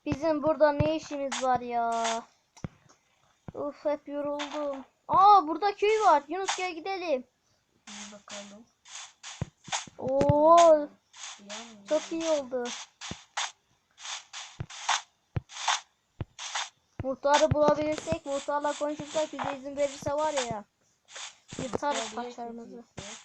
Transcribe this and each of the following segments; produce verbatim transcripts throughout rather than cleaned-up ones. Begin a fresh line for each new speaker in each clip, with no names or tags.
Bizim burada ne işimiz var ya? Uf, hep yoruldum. Aa, burada köy var. Yunus gel gidelim.
Bakalım.
Oo, çok iyi oldu. Muhtarı bulabilirsek, muhtarla konuşursak, bize izin verirse var ya, yırtarız paçalarımızı.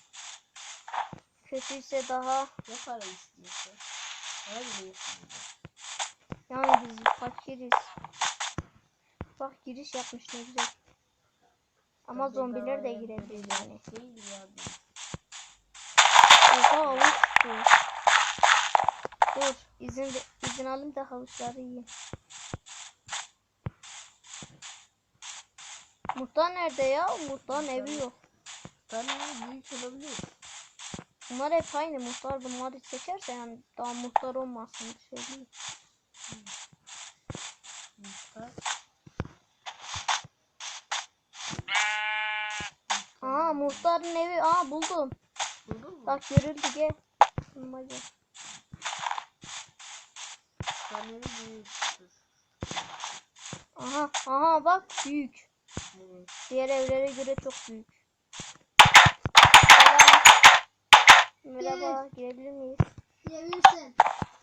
Kötüyse daha
ne para istiyorsa. Para bile yapmıyor.
yani biz fakiriz. Bak, giriş yapmış ne güzel. Ama
Tabii
zombiler de
daha
girebilir yani.
Değil ya.
Oha, havuç bu. Dur, izin izin alayım da havuçları yiyeyim. Muhtar nerede ya? Muhtarın evi yok.
Muhtarın büyük olabilir.
Bunlar hep aynı. Muhtar bunları seçerse yani daha muhtar olmasın. Söyleyeyim.
Muhtar.
Aa, muhtarın evi. Aa, buldum.
Buldun mu?
Bak, görüldü, gel. Hadi.
Muhtarın evi büyüktür.
Aha, aha bak, büyük.
Evet.
Diğer evlere göre çok büyük. Selam. Merhaba, girebilir miyiz?
Girebilirsin.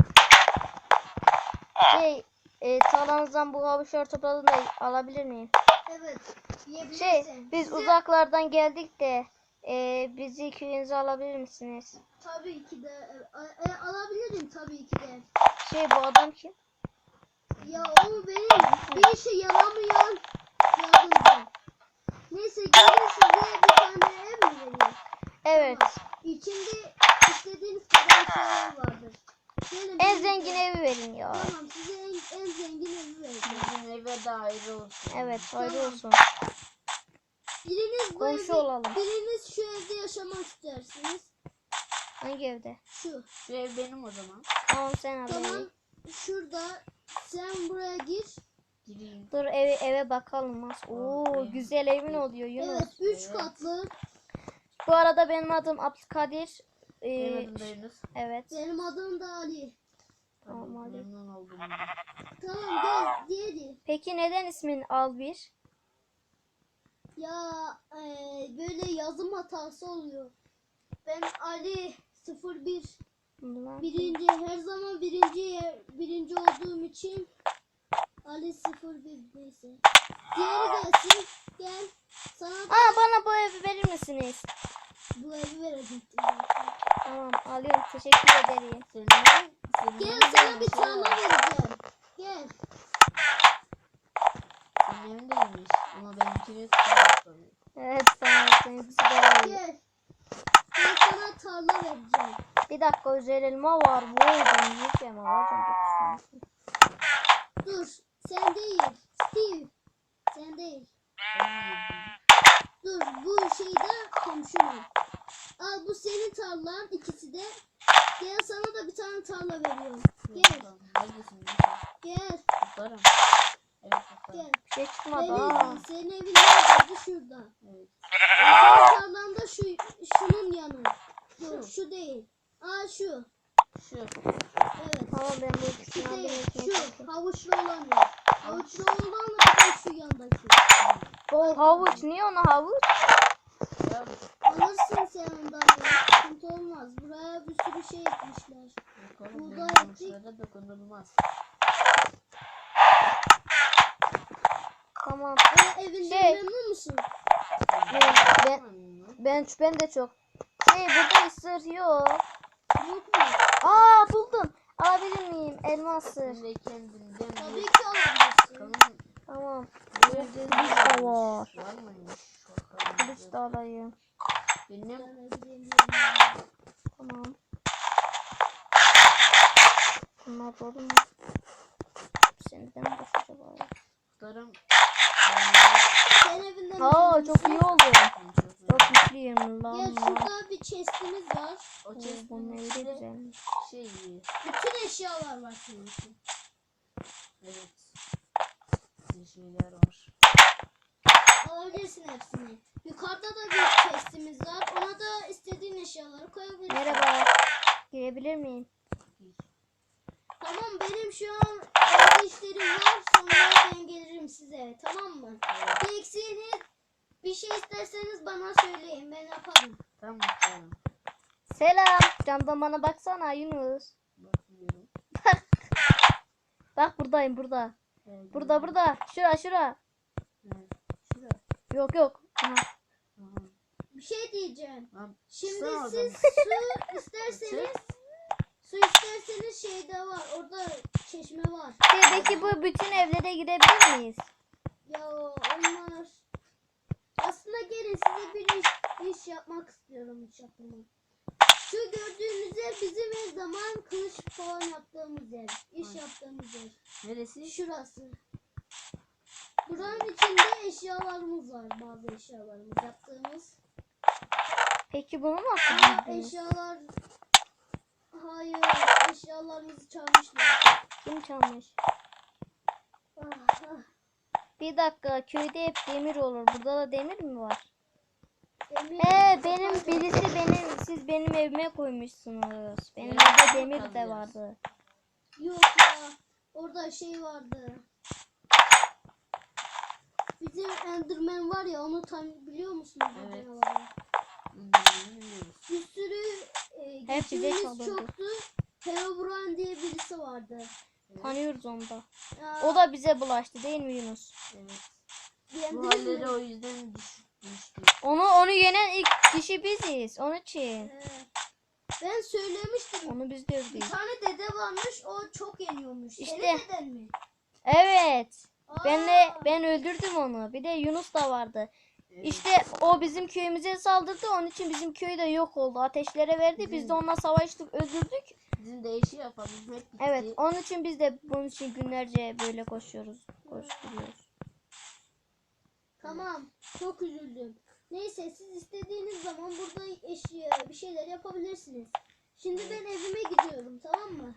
Şey, e, tarlanızdan bu havuçları topladım da alabilir miyim?
Evet. Yiyebilirsin.
Şey, biz
Size-
uzaklardan geldik de e, bizi köyünüze alabilir misiniz?
Tabii ki de e, e, alabilirim tabii ki de.
Şey, bu adam kim?
Ya o benim bir işe yaramayan yardımcım. Neyse, gelin size bir tane ev mi vereyim?
Evet.
Tamam. İçinde istediğiniz kadar şeyler vardır. Gelin
En
birlikte-
zengin evi verin ya.
Tamam, size en, en zengin evi vereceğim.
Bizim eve de ayrı olsun.
Evet, ayrı
Tamam.
olsun.
Biriniz bu
Komşu
evde,
olalım.
biriniz şu evde yaşamak istersiniz.
Hangi evde?
Şu.
Şu ev benim o zaman.
Tamam, sen al
Tamam.
evi.
Şurada sen buraya gir.
Gireyim.
Dur, eve eve bakalım. Oo,
Evet.
güzel evin oluyor Yunus.
Evet, üç
Evet.
katlı.
Bu arada benim adım Abdülkadir. Ee,
Benim adım da Yunus.
evet.
Benim adım da Ali.
Tamam,
Tabii
hadi.
memnun oldum.
Tamam, gel diğeri.
Peki neden ismin Albir?
Ya e, böyle yazım hatası oluyor. Ben Ali sıfır bir
Bunlar-
birinci, her zaman birinci yer- birinci olduğum için Ali sıfır bir, neyse. Diğeri gelsin. Gel. Sana da
Aa, bana bu evi verir misiniz?
bu evi verecektim.
Tamam, alıyorum. Teşekkür ederim.
Senin evin, senin
Gel,
evin
sana
de
bir
iyiymiş
tarla
ha.
vereceğim. Gel.
Senin evin de iyiymiş. Ama benimkini tutamaz.
Evet, sana seninkisi daha iyi.
Gel. Ben sana tarla vereceğim.
Bir dakika, özel elma var. Vay, ben yiyeceğim. Alacağım. dokuz tane.
Dur. Sen değil. Steve. Sen değil. Dur, bu şeyde komşunun. Al, bu senin tarlan, ikisi de. Gel, sana da bir tane tarla veriyorum. Gel.
Neredesin?
Gel.
Tutarım. Evet tutarım.
Gel.
Bir şey çıkmadı.
Beni
Aa.
izle. Senin evin neredeydi? Şurada.
Evet.
Senin tarlan da şu, şunun yanı. Dur,
Şu.
şu değil. Aa, şu.
Şu.
Evet.
Tamam, ben bu ikisini
Şu
aldım.
değil.
ekmek
Şu.
yapayım.
Havuçlu olan yer. Havuçlu olan da bir de şu yandaki.
O havuç. Niye ona havuç?
Ya
Alırsın sen ondan ya. Sıkıntı olmaz. Buraya bir sürü şey ekmişler.
bakalım
Buğday
benim
ektik.
komşulara dokunulmaz.
Tamam.
E, evinden
Şey.
memnun musun?
Ben, ben, ben, ben de çok. Şey, burada ısır yok.
Yok mu?
Aa, buldum. Alabilir miyim? Elma ısır.
Sen de kendinden
Tabii
bir
ki alabilirsin.
bakalım.
Tamam.
Böyle
Kılıç da var.
Var mıymış?
Kılıç da alayım.
Benim
Ben ne bileyim,
Tamam. Bunlar dolu mu? Senden boş acaba ya.
tutarım.
sen evinden
Aa,
memnun
çok
musun?
iyi oldu. Çok mutluyum lan.
Gel, şurada bir chestimiz var.
O
Oo, bunun
çeşmenin
evi de
içinde
güzelmiş.
şey iyi.
Bütün eşyalar var senin için.
Evet. Bir şeyler var.
Alabilirsin hepsini. Yukarıda da bir chestimiz var. Ona da istediğin eşyaları koyabilirsin.
Merhaba. Girebilir miyim?
Tamam, benim şu an evde bazı işlerim var. Sonra ben gelirim size. Tamam mı? Bir eksiğiniz, bir şey isterseniz bana söyleyin. Ben yaparım.
Tamam tamam.
Selam. Camdan bana baksana Yunus.
Bakıyorum.
Bak buradayım burada.
Evet,
Burada burada. Şura şura.
evet. Şuraya.
Yok yok. Aha.
Aha.
Bir şey diyeceğim.
Tamam.
Şimdi
Çıksana
siz
oradan.
su isterseniz
Çık.
su isterseniz şeyde var. Orada çeşme var.
Peki bu bütün evlere girebilir miyiz?
Ya onlar aslında gelin size bir iş, iş yapmak istiyorum iş yapmak. Şu gördüğünüz ev bizim her zaman kılıç falan yaptığımız ev. İş
Ay.
yaptığımız ev.
Neresi?
Şurası. Buranın içinde eşyalarımız var. Bazı eşyalarımız yaptığımız.
Peki bunu nasıl
Aa,
girdiniz?
eşyalar... Hayır. Eşyalarımızı çalmışlar.
Kim çalmış?
Ah, ah.
Bir dakika, köyde hep demir olur. Burada da demir mi var?
Demir-
Ee benim birisi benim siz benim evime koymuşsunuz. Benim
Evet,
evde demir de
kalacağız.
vardı.
Yok ya. Orada şey vardı. Bizim Enderman var ya, onu tam biliyor musunuz? o
Evet.
canavarı?
Bilmiyoruz.
Bir sürü e,
Hep bize
geçimimiz
çalırdı.
çoktu. Herobrine diye birisi vardı.
Tanıyoruz onu da.
Ya,
O da bize bulaştı değil mi Yunus?
Evet. Bu
beğendiniz mi?
halleri o yüzden düş, düştük.
Onu onu yenen ilk kişi biziz. Onun için.
Ee, ben söylemiştim.
Onu biz de
Bir
öldürdük.
tane dede varmış, o çok yeniyormuş.
İşte.
Senin deden mi?
Evet.
Aa,
Ben de ben öldürdüm onu. Bir de Yunus da vardı.
Evet.
İşte o bizim köyümüze saldırdı. Onun için bizim köy de yok oldu. Ateşlere verdi. Biz de onunla savaştık, öldürdük.
Bizim de işi yapalım. Hep gitti.
Evet, onun için biz de bunun için günlerce böyle koşuyoruz. Koşturuyoruz.
Tamam, çok üzüldüm. Neyse, siz istediğiniz zaman burada eşya bir şeyler yapabilirsiniz. Şimdi ben evime gidiyorum, tamam mı?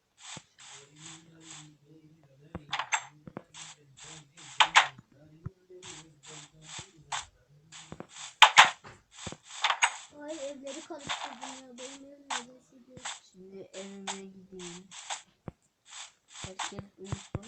Ay, evleri karıştırdım ya. Benim evim neredeyse diyor.
Şimdi evime gideyim. Herkes uyusun.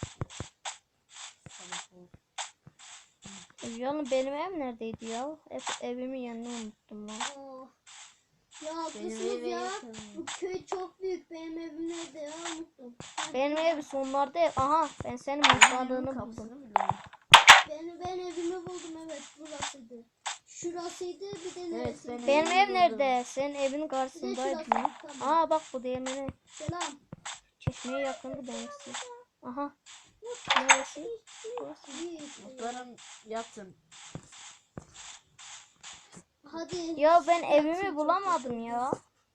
Sabah olsun.
Canım benim ev neredeydi ya? Ev, evimin yerini unuttum lan.
Oh. Ya
Benim
haklısınız
eve
ya.
yakın.
Bu köy çok büyük. Benim evim nerede ya? Unuttum.
Benim ev sonlarda ev. Aha ben senin
Benim evimin
mutfağını buldum.
kapısını biliyorum.
Ben, ben evimi buldum, evet, burasıydı. Şurasıydı, bir de neresi?
benim
Benim
evimi
ev
buldum.
nerede? Senin evin
Bir de
karşısındaydı.
şurası.
lan.
Tamam.
Aa bak bu değirmeni.
Selam.
Çeşmeye yakındı benimkisi. Aha. Neresi? Burası.
Bir-
Muhtarım yatın.
Hadi.
Ya ben
Yatın,
evimi
çok
bulamadım ya.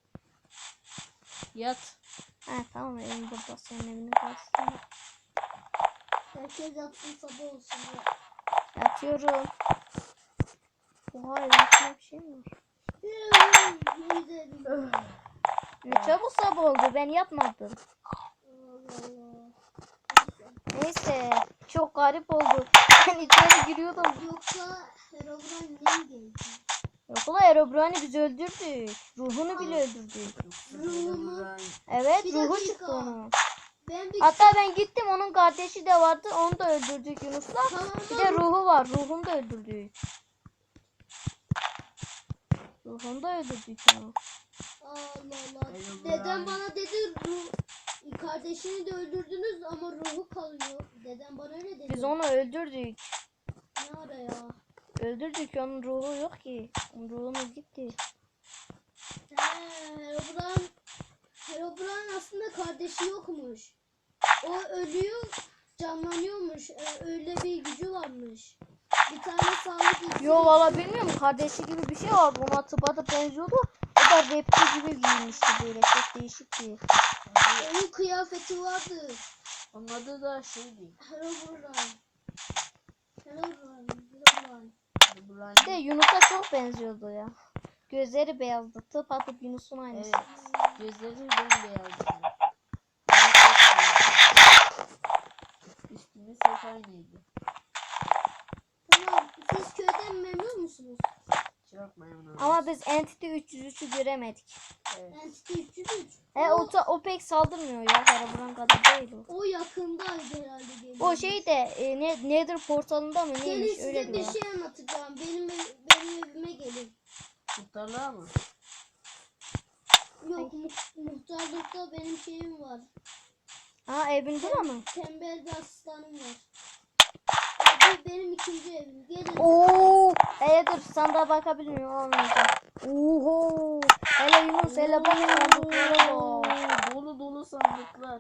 Yat.
Ha tamam evim burada. Senin evinin karşısında.
Herkes yatsın, sabah olsun. Ya.
Yatıyorum. Oha evin bir şey mi var?
Ne güzel.
Ne çabuk sabah oldu ben yatmadım.
Allah Allah.
Neyse çok garip oldu. Ben içeri giriyordum.
Yoksa Herobrine neye geldi?
Yok ulan Herobrine'i biz öldürdük. Ruhunu bile öldürdük.
Ruhumu-
Evet
Bir
ruhu
dakika.
çıktı onun.
Ben bir
Hatta ben gittim onun kardeşi de vardı onu da öldürdük Yunus'la.
Tamam,
Bir de ruhu var ruhunu da öldürdük. Ruhunu da öldürdük ya.
Allah Allah.
Herobrine.
Dedem bana dedi, ruh, kardeşini de öldürdünüz ama ruhu kalıyor. Dedem bana öyle dedi.
Biz onu öldürdük.
Ne ara ya?
Öldürdük onun ruhu yok ki. Onun ruhumuz gitti.
He, Herobrine, Herobrine aslında kardeşi yokmuş. O ölüyor, canlanıyormuş. Ee, öyle bir gücü varmış. Bir tane sağlık iksiri.
Yo valla bilmiyorum kardeşi gibi bir şey vardı ona tıpatıp benziyordu. O da rapçi gibi giyinmişti böyle çok değişikti.
Onun kıyafeti vardı.
Onun adı da şeydi.
Herobrine. Herobrine. Herobrine.
Herobrine.
Bir de Yunus'a çok benziyordu ya. Gözleri beyazdı tıpatıp Yunus'un aynısı.
Evet. Gözleri bembeyazdı. Üstümüz hep aynıydı.
Tamam. Siz köyden memnun musunuz?
Çok memnun oldum.
Ama biz Entity üç yüz üçü göremedik.
Evet.
Entity üç yüz üç.
E o, ta- o pek saldırmıyor ya. Herobrine kadar değil o.
O yakındaydı herhalde. Geliyor.
O şey de e, ne, Nether portalında mı
Gelin
neymiş
size
öyle
bir
diyor.
şey anlatacağım. Benim ev- benim evime gelin.
Kurtarlar mı?
Yok mu- muhtarlıkta benim şeyim var.
Ha evin bura mı?
Tembel bir asistanım var. Ya bu benim ikinci evim. Gelin.
Oo, hele dur sandığa bakabilir miyim? Olmayacak. Oho. Hele Yunus hele bak sandıklara bak.
Oo, dolu dolu sandıklar.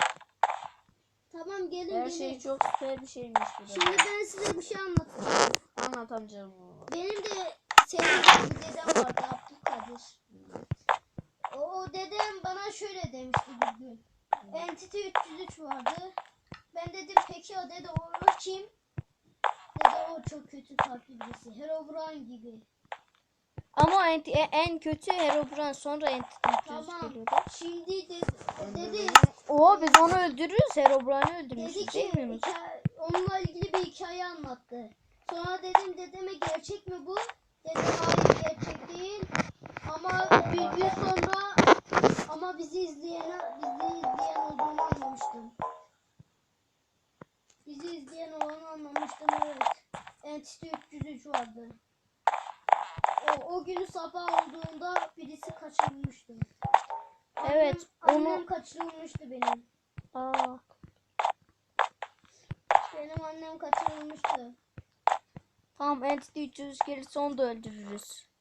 Tamam gelin
Her
gelin.
şey çok süper bir şeymiş bu da.
Şimdi ben size bir şey anlatacağım.
Anlat amcam.
Benim de sevdiğim bir dedem vardı, Abdülkadir. O, o dedem bana şöyle demişti bir gün. Entity üç yüz üç vardı. Ben dedim peki o dede o, o kim? Dede o çok kötü kalpli birisi. Herobrine gibi.
Ama en, en kötü Herobrine sonra Entity üç yüz
Tamam.
geliyordu.
Şimdi de, dedi,
Oo biz onu öldürürüz. Herobrine'i
dedi
öldürmüşüz
ki
değil mi Yunus?
hikaye- onunla ilgili bir hikaye anlattı. Sonra dedim dedeme gerçek mi bu? Dedi hayır gerçek değil. Ama bir gün sonra ama bizi izleyen bizi izleyen olduğunu anlamıştım. Bizi izleyen olanı anlamıştım evet. Entity üç yüz üç vardı. O, o günü sabah olduğunda birisi kaçırılmıştı.
Evet,
Annem,
onu-
annem kaçırılmıştı benim.
Aa.
Benim annem kaçırılmıştı.
Tamam Entity üç yüz gelirse onu da öldürürüz.